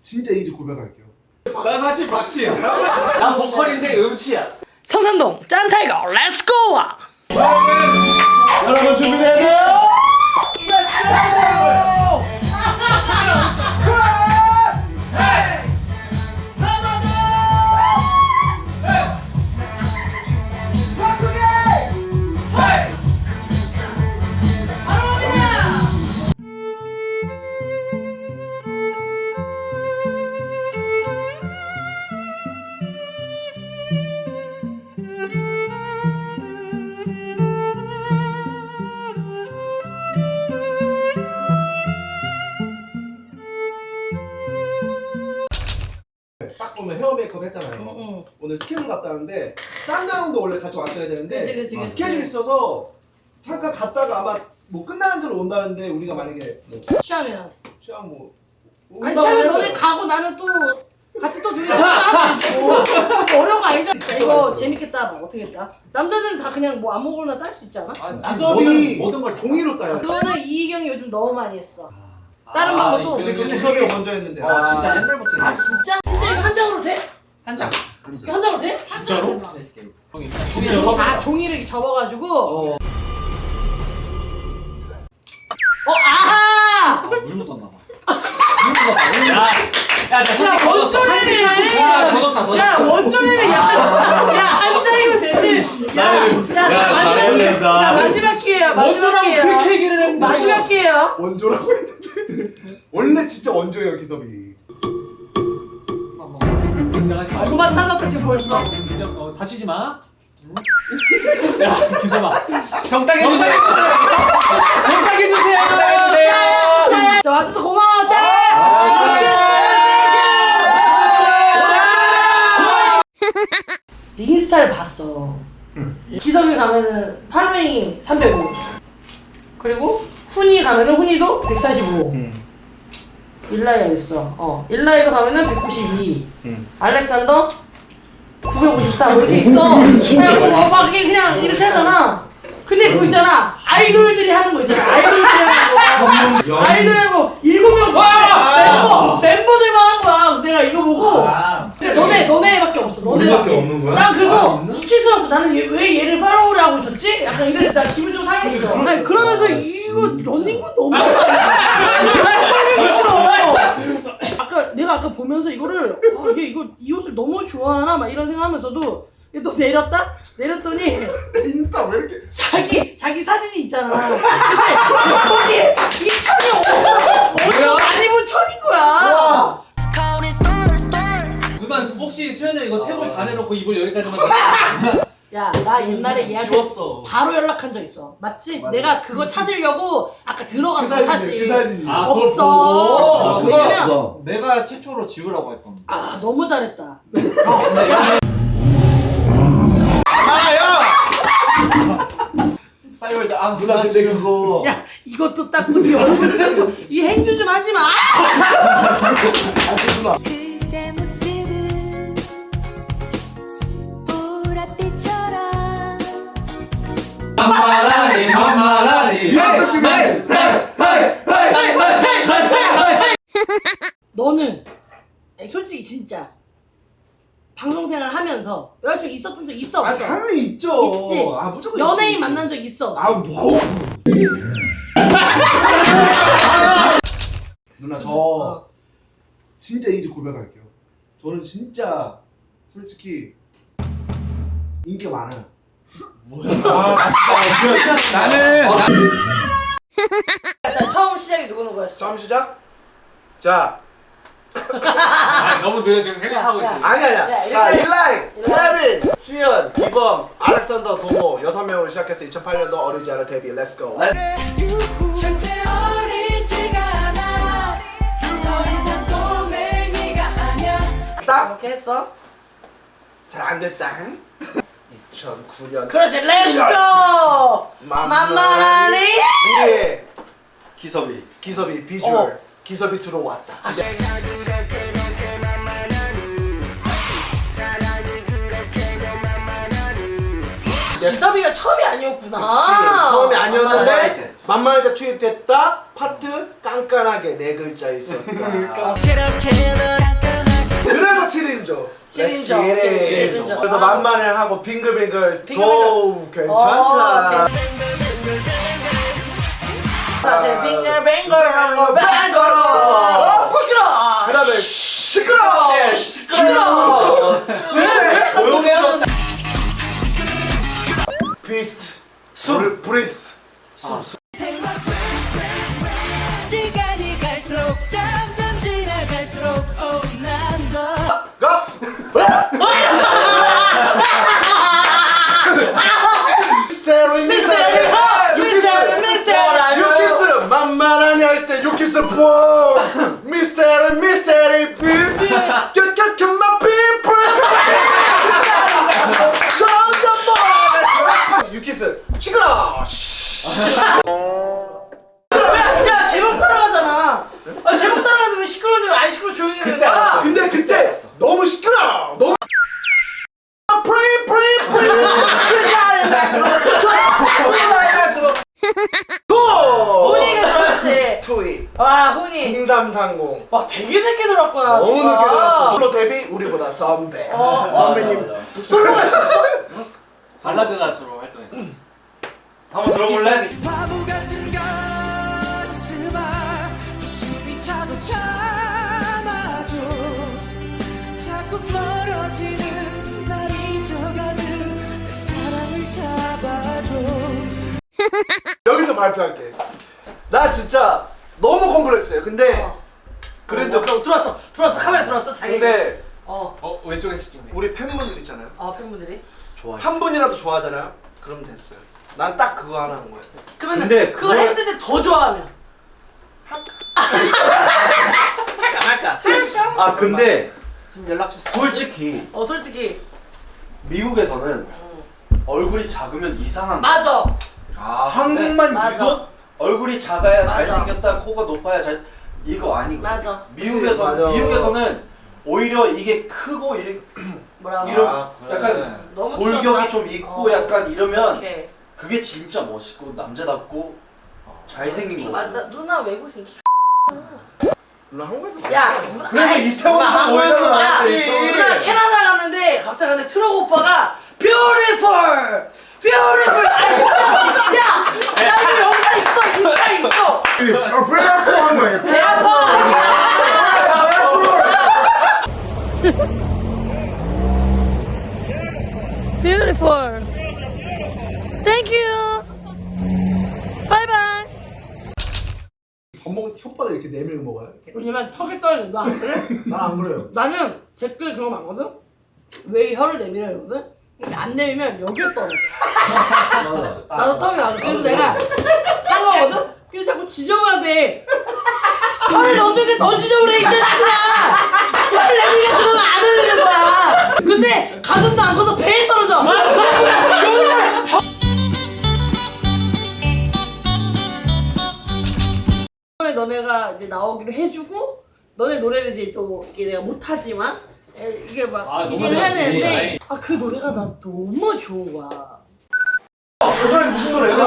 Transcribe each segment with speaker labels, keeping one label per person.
Speaker 1: 진짜 이제 고백할게요.
Speaker 2: 나 사실 박치야. 나 보컬인데 음치야.
Speaker 3: 성산동 짠타이거 렛츠고!
Speaker 1: 여러분 준비돼야 돼요? 딱 보면 헤어 메이크업 했잖아요. 오늘 스케줄 갔다 왔는데 산도 형도 원래 같이 왔어야 되는데
Speaker 3: 그치.
Speaker 1: 스케줄 있어서 잠깐 갔다가 아마 뭐 끝나는 대로 온다는데 우리가 만약에 뭐
Speaker 3: 취하면
Speaker 1: 취향 뭐
Speaker 3: 아니
Speaker 1: 온다고
Speaker 3: 취하면
Speaker 1: 했어요.
Speaker 3: 너네 가고 나는 또 같이 또 둘이 하면 되지 뭐. 어려운 거 아니잖아. 이거 재밌겠다. 막 어떻게 했다? 남자는 다 그냥 뭐 아무거나 딸 수 있지 않아?
Speaker 1: 기섭이
Speaker 2: 모든 걸
Speaker 1: 종이로 따요.
Speaker 3: 그거는 이희경이 요즘 너무 많이 했어. 다른 방법도.
Speaker 1: 근데 그 기섭이가 먼저 했는데.
Speaker 2: 진짜 옛날부터.
Speaker 3: 아 진짜? 진짜 이거 한 장으로 돼?
Speaker 2: 한 장.
Speaker 3: 이거 한 장으로 돼?
Speaker 2: 진짜로? 형이
Speaker 3: 아 종이를 이렇게 접어가지고. 아하!
Speaker 2: 물 묻었나 봐. 야,
Speaker 3: 야 원조래를. 야 원조래를 야한 장이면 됐대. 야 마지막 기회야. 마지막 기회야.
Speaker 2: 그렇게 얘기를 했는데.
Speaker 3: 마지막 기회야.
Speaker 1: 원조라고 했는데 원래 진짜 원조예요 기섭이.
Speaker 3: 그만 찾았다 지금 벌써.
Speaker 2: 다치지 마. 야, 기사봐.
Speaker 1: 경당해 주세요.
Speaker 2: 부탁해 주세요.
Speaker 3: 자 와줘서 고마워. 짠! 인스타를 봤어. 기섭이 가면은 팔로잉이 305. 그리고 훈이 가면은 훈이도 145. 일라이가 있어. 일라이도 가면은 192. 알렉산더 953 이렇게 있어. 그냥 막 이게 그냥 이렇게 하잖아. 근데 그거 있잖아. 아이돌들이 하는 거 있잖아. 아이돌하고 7명 멤버들만 한 거야. 그래서 내가 이거 보고. 근데 너네밖에 없어. 너네밖에
Speaker 1: 없는 거야?
Speaker 3: 난 그래서 수치스러웠어. 나는 왜 얘를 팔로우를 하고 있었지? 약간 이래서 나 기분 좀 상했어. 아니 그러면서 이거 런닝군 너무 싫어. 내가 아까 보면서 이거를 얘 이 옷을 너무 좋아하나 막 이런 생각하면서도 얘 또 내렸더니
Speaker 1: 인스타 왜 이렇게
Speaker 3: 자기 사진이 있잖아. 근데 거기에 이 천이 어디서 많이 본 천인 거야.
Speaker 2: 누나 혹시 수현이 이거 세골 다 내놓고 입을 여기까지만.
Speaker 3: 야, 나 옛날에 얘한테
Speaker 1: 지웠어.
Speaker 3: 바로 연락한 적 있어. 맞지? 내가 그거 찾으려고 아까 들어간 거 사실.
Speaker 1: 그 사진이.
Speaker 2: 아,
Speaker 3: 없어.
Speaker 2: 그걸
Speaker 3: 왜냐면
Speaker 4: 내가 최초로 지우라고 했던.
Speaker 3: 아 너무 잘했다.
Speaker 4: 싸이월드 아
Speaker 1: 누나 근데 그거
Speaker 3: 야 이것도 닦고 네 얼굴도 닦고 이 행주 좀 하지 마.
Speaker 1: 누나
Speaker 5: 그대 모습은 보랏빛처럼
Speaker 2: 만만하니.
Speaker 3: 너는 아니, 솔직히 진짜 방송생활 하면서 여자친구 있었던 적 있어 없어?
Speaker 1: 당연히 있죠.
Speaker 3: 있지.
Speaker 1: 무조건
Speaker 3: 연예인
Speaker 1: 있지.
Speaker 3: 만난 적 있어 없어?
Speaker 1: 뭐? 누나 저 진짜 이제 고백할게요. 저는 진짜 솔직히 인기가 많아요. 나는
Speaker 3: 자 처음 시작이 누구였어?
Speaker 1: 처음 시작. 자
Speaker 2: 아, 너무 느려 지금 생각하고 있어.
Speaker 1: 아니야.
Speaker 3: 야,
Speaker 1: 자
Speaker 3: 일라이.
Speaker 1: 일라이, 케빈, 수현, 기범, 알렉산더, 도모 6명으로 시작해서 2008년도 어리지 않은 데뷔. Let's go.
Speaker 5: 절대 어리지가 않아 더 이상 꼬맹이가 아니야
Speaker 1: 딱
Speaker 3: 이렇게 했어?
Speaker 1: 잘 안 됐다. 2009년
Speaker 3: 그렇지 렛츠고! 만만하니?
Speaker 1: 우리의
Speaker 4: 기섭이
Speaker 1: 비주얼 기섭이 들어왔다.
Speaker 3: 기섭이가 처음이 아니었구나.
Speaker 1: 그치, 처음이 아니었는데
Speaker 3: 만만해.
Speaker 1: 만만할 때 투입됐다. 파트 깐깐하게 4글자 있었다.
Speaker 5: 그렇게 널
Speaker 3: 일인정.
Speaker 1: Let's get it.
Speaker 3: 일인정.
Speaker 1: 그래서 만만을 하고 빙글빙글
Speaker 3: 빙글빙글.
Speaker 1: 도 괜찮다.
Speaker 3: 자, 빙글빙글 시끄러.
Speaker 1: 그다음에 시끄러. 시끄러.
Speaker 4: 조용해요.
Speaker 1: 비스트. 술. 브리스.
Speaker 5: 시간이 갈수록 점점 지나갈수록 난더
Speaker 1: 가. 미스테리 유키스 만만하니 할 때 유키스 보 미스테리 비비 껴껴껴 마 피플 유키스 시끄러.
Speaker 3: 야 제목 따라가잖아. 아 제목 따라가는데 왜 시끄러운데 왜 안 시끄러 조용히 해 내가.
Speaker 1: 근데 그때 너무 시끄러. 너무 프리
Speaker 3: 훈이가 들어왔지.
Speaker 1: 투이
Speaker 3: 와 훈이.
Speaker 1: 0330
Speaker 3: 와 되게 늦게 들어왔구나.
Speaker 1: 너무 늦게
Speaker 3: 와.
Speaker 1: 들었어. 솔로 데뷔 우리보다 선배.
Speaker 3: 선배님. 솔로가 있었어?
Speaker 2: 발라드 가수로 활동했어.
Speaker 4: 한번 들어볼래?
Speaker 5: 바보 같은 가슴아 또 숨이 차도 참아줘 자꾸 멀어지는 날 잊어가는 내 사랑을 잡아줘
Speaker 1: 여기서 발표할게. 나 진짜 너무 컴플렉스예요. 근데 그래도
Speaker 3: 들어왔어. 카메라 들어왔어. 자기.
Speaker 1: 근데
Speaker 2: 왼쪽에서 찍네.
Speaker 1: 우리 팬분들 있잖아요.
Speaker 3: 팬분들이.
Speaker 4: 좋아.
Speaker 1: 한 분이라도 좋아하잖아요. 그럼 됐어요. 난 딱 그거 하나 한 거야.
Speaker 3: 그러면
Speaker 4: 근데
Speaker 3: 그걸
Speaker 4: 그걸-
Speaker 3: 했을 때 더 좋아하면. 할까.
Speaker 4: 아 근데
Speaker 3: 지금 연락 줬어.
Speaker 4: 솔직히
Speaker 3: 솔직히.
Speaker 4: 미국에서는 얼굴이 작으면 이상한 거.
Speaker 3: 맞아.
Speaker 4: 한국만
Speaker 3: 맞아.
Speaker 4: 유독 얼굴이 작아야
Speaker 3: 맞아.
Speaker 4: 잘생겼다, 코가 높아야 이거 아니거든.
Speaker 3: 맞아.
Speaker 4: 미국에서는
Speaker 1: 맞아.
Speaker 4: 오히려 이게 크고
Speaker 3: 뭐라고?
Speaker 4: 이런 약간
Speaker 3: 너무
Speaker 4: 골격이
Speaker 3: 키웠다?
Speaker 4: 좀 있고 약간 이러면
Speaker 3: 오케이.
Speaker 4: 그게 진짜 멋있고 남자답고 잘생긴
Speaker 3: 이거
Speaker 4: 거.
Speaker 3: 맞다. 누나 외국인.
Speaker 1: 나 한국에서
Speaker 3: 야.
Speaker 1: 그래서 이태원에서 모이잖아.
Speaker 3: 야,
Speaker 1: 이태원에.
Speaker 3: 누나 캐나다 갔는데 갑자기 근데 트럭 오빠가 beautiful. 아니 진짜. 야, 나 지금 영상 있어. 인스타 있어.
Speaker 1: 배 아파 한 거야.
Speaker 3: 배 아파. Beautiful. Thank you. Bye bye.
Speaker 1: 밥 먹을 때 혓바닥 이렇게 내밀고 먹어요?
Speaker 3: 왜냐면 턱이 떨어진다. 그래?
Speaker 1: 난 안 그래요.
Speaker 3: 나는 댓글 그런 거 많거든? 왜 혀를 내밀어 이러거든? 근데 안 내밀면 여기에 떨어져. 나도 턱이 나와. 그래서 내가 한 거거든? 근데 자꾸 지저분하대. 혀를 넣었는데 더 지저분해 이 자식들아. 혀를 내밀니까 그러면 안 흘리는 거야. 근데 가슴도 안 커서 배에 떨어져. 여기다 이번에 너네가 이제 나오기로 해주고 너네 노래를 이제 또 이게 내가 못하지만 이게 막
Speaker 2: 너무
Speaker 3: 이게 해야
Speaker 2: 잘하지.
Speaker 3: 되는데 그 노래가 나 너무 좋은 거야.
Speaker 1: 그 노래 무슨 노래예요?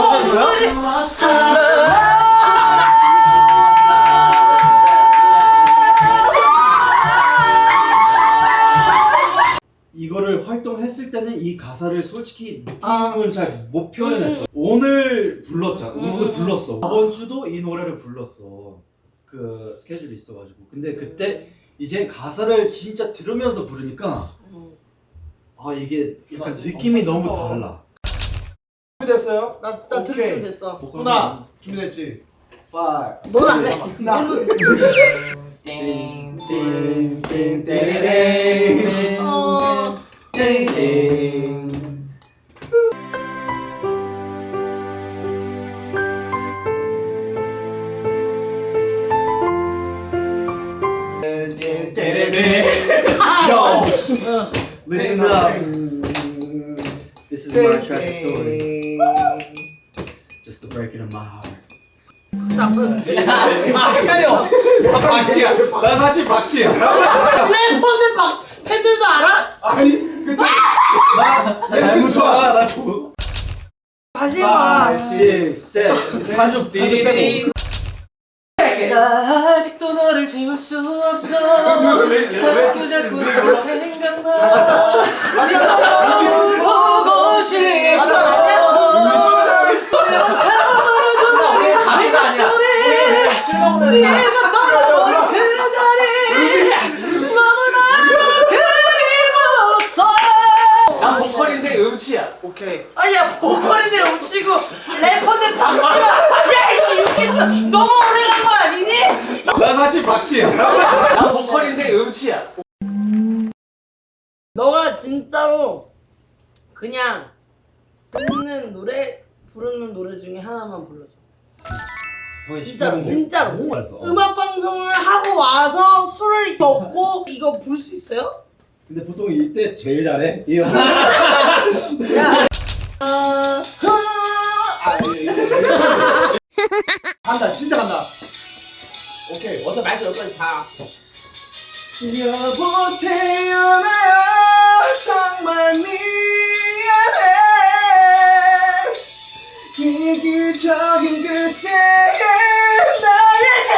Speaker 6: 이거를 활동했을 때는 이 가사를 솔직히
Speaker 3: 아.
Speaker 6: 느낌은 잘 못 표현했어. 오늘 불렀잖아. 오늘 불렀어. 저번 주도 이 노래를 불렀어. 그 스케줄이 있어가지고. 근데 그때 이제 가사를 진짜 들으면서 부르니까 아 이게 약간 느낌이 너무 달라.
Speaker 1: 준비됐어요?
Speaker 3: 나
Speaker 1: 오케이.
Speaker 3: 들으면 됐어.
Speaker 1: 누나 준비됐지? 5
Speaker 3: 넌 안 해.
Speaker 6: 띵띵띵띵띵띵 띵띵 Yo, listen up. This is my tragic story. Just the breaking of my heart.
Speaker 2: 헷갈려. 박치야. 나 사실 박치야.
Speaker 3: 래퍼는 막 팬들도 알아?
Speaker 1: 아니 근데
Speaker 6: 너무 좋아. 나 좋아.
Speaker 3: 다시 해봐.
Speaker 6: 5, 6, 7. 가족들이 빼고.
Speaker 2: 나 아직도 너를 지울 수 없어. 자꾸 너 생각나. 보고 싶어. 우리 가수가 아니야. 우리 술 먹는 애.
Speaker 3: 내가 떠나버린 그 자리 너무나 그리웠어.
Speaker 2: 난 보컬인데 음치야.
Speaker 4: 오케이.
Speaker 3: 아니야 보컬인데 음치고 래퍼인데 박치야. 야이씨 유키스 너무 오래 간 거 아니니?
Speaker 2: 나 사실 박치야. 난 보컬인데 음치야.
Speaker 3: 너가 진짜로 그냥 듣는 노래 부르는 노래 중에 하나만 불러줘. 진짜로 진짜로 음악 방송을 하고 와서 술을 먹고 이거 부를 수 있어요?
Speaker 6: 근데 보통 이때 제일 잘해. 이 형.
Speaker 3: 야
Speaker 1: 간다 진짜 간다. 오케이 어차피 말도 여기까지 다.
Speaker 5: 여보세요 나야 정말 미안해 이기적인 그때의 나에게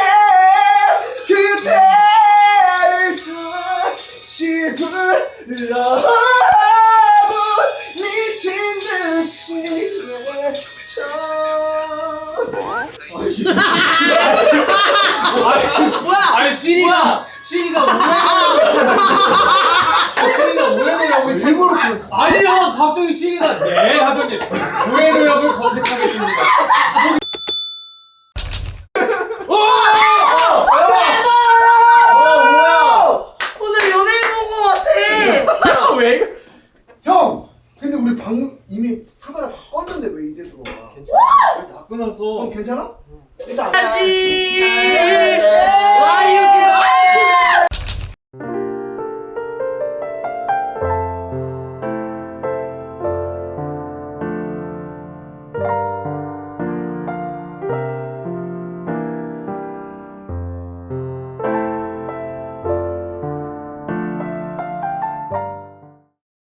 Speaker 5: 그대를 다시 불러보고 미친 듯이 외쳐
Speaker 2: 아니 시리가 오래 노력을 일부러 아니야 갑자기 시리가 네 하더니 오래 노력을 검색하겠습니다.
Speaker 3: 오늘 연예인 본 거 같아.
Speaker 1: 왜? 형! 근데 우리 방금 이미 카메라 다 껐는데 왜 이제 들어와?
Speaker 6: 다 끊었어.
Speaker 1: 형 괜찮아?